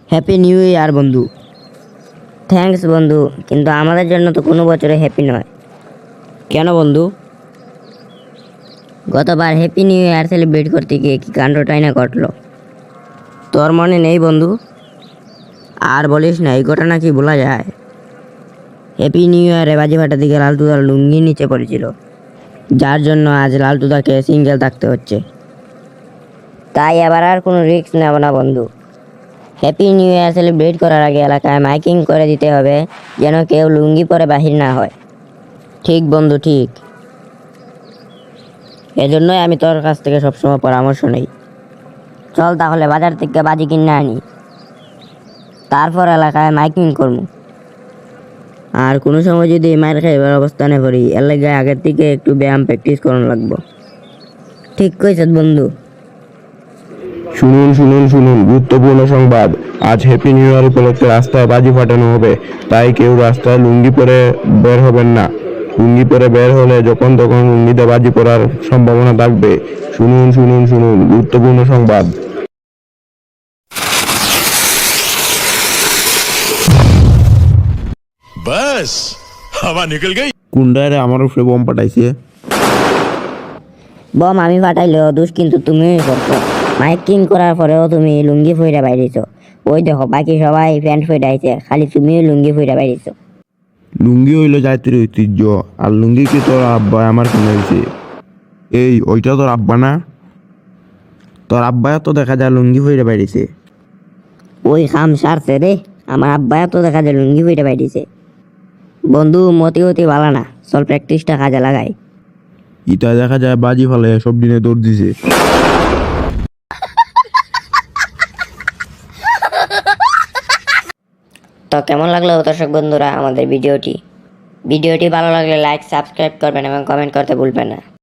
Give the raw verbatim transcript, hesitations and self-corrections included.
Happy new year বন্ধু। Thanks বন্ধু, কিন্তু আমাদের জন্য তো কোনো বছরে হ্যাপি নয়। কেন বন্ধু? গতবার হ্যাপি নিউ ইয়ার সেলিব্রেট করতে গিয়ে কি কাণ্ডটাই না ঘটলো, তোর মনে নেই বন্ধু? আর বলিস না, এই ঘটনা কি বলা যায়? হ্যাপি নিউ ইয়ারে বাজি ফাটার দিকে লালটুদার লুঙ্গি নিচে পড়েছিল, যার জন্য আজ লালটুদাকে সিঙ্গেল থাকতে হচ্ছে। তাই এবার আর কোনো রিস্ক নেব না বন্ধু। হ্যাপি নিউ ইয়ার সেলিব্রেট করার আগে এলাকায় মাইকিং করে দিতে হবে, যেন কেউ লুঙ্গি পরে বাহির না হয়। ঠিক বন্ধু, ঠিক। এজন্যই আমি তোর কাছ থেকে সবসময় পরামর্শ নেই। চল তাহলে বাজার থেকে বাজি কিনে আনি, তারপর এলাকায় মাইকিং করবো। আর কোনো সময় যদি মায়ের খাইবার অবস্থানে করি, এর লাগে আগের থেকে একটু ব্যায়াম প্র্যাকটিস করানো লাগবো। ঠিক কইছত বন্ধু। শুনুন শুনুন শুনুন গুরুত্বপূর্ণ সংবাদ। আজ হ্যাপি নিউ ইয়ার উপলক্ষে রাস্তায় বাজি ফাটানো হবে, তাই কেউ রাস্তায় লুঙ্গি পরে বের হবেন না। লুঙ্গি পরে বের হলে যখন তখন লুঙ্গিতে বাজি পড়ার সম্ভাবনা থাকবে। শুনুন শুনুন শুনুন গুরুত্বপূর্ণ সংবাদ। बस हवा निकल गई। কুন্ডারে আমার উপরে বোম পাঠাইছে। বম আমি ফাটাইলেও দোষ কিন্তু তুমিই করছো। মাইকিং করার পরেও তুমি লুঙ্গি ফইরা বাইরেছ। ওই দেখো বাকি সবাই প্যান্ট ফইরাইছে, খালি তুমিও লুঙ্গি ফইরা বাইরেছ। লুঙ্গি হইলো জাতির ঐতিহ্য, আর লুঙ্গি কি তোর আব্বা আমার কিনে দিছে? এই ওইটা তোর আব্বা না? তোর আব্বা তো দেখা যায় লুঙ্গি ফইরে বাইরেছে। ওই খাম সারছে রে, আমার আব্বা তো দেখা যায় লুঙ্গি ফইরা বাইরেছে। বন্ধু মতি অতি ভালো না, চল প্র্যাকটিসটা কাজে লাগাই। ইটা দেখা যায় বাজি ফেলে সব দিনে দৌড় দিছে। তো কেমন লাগলো দর্শক বন্ধুরা আমাদের ভিডিওটি? ভিডিওটি ভালো লাগলে লাইক সাবস্ক্রাইব করবেন এবং কমেন্ট করতে ভুলবেন না।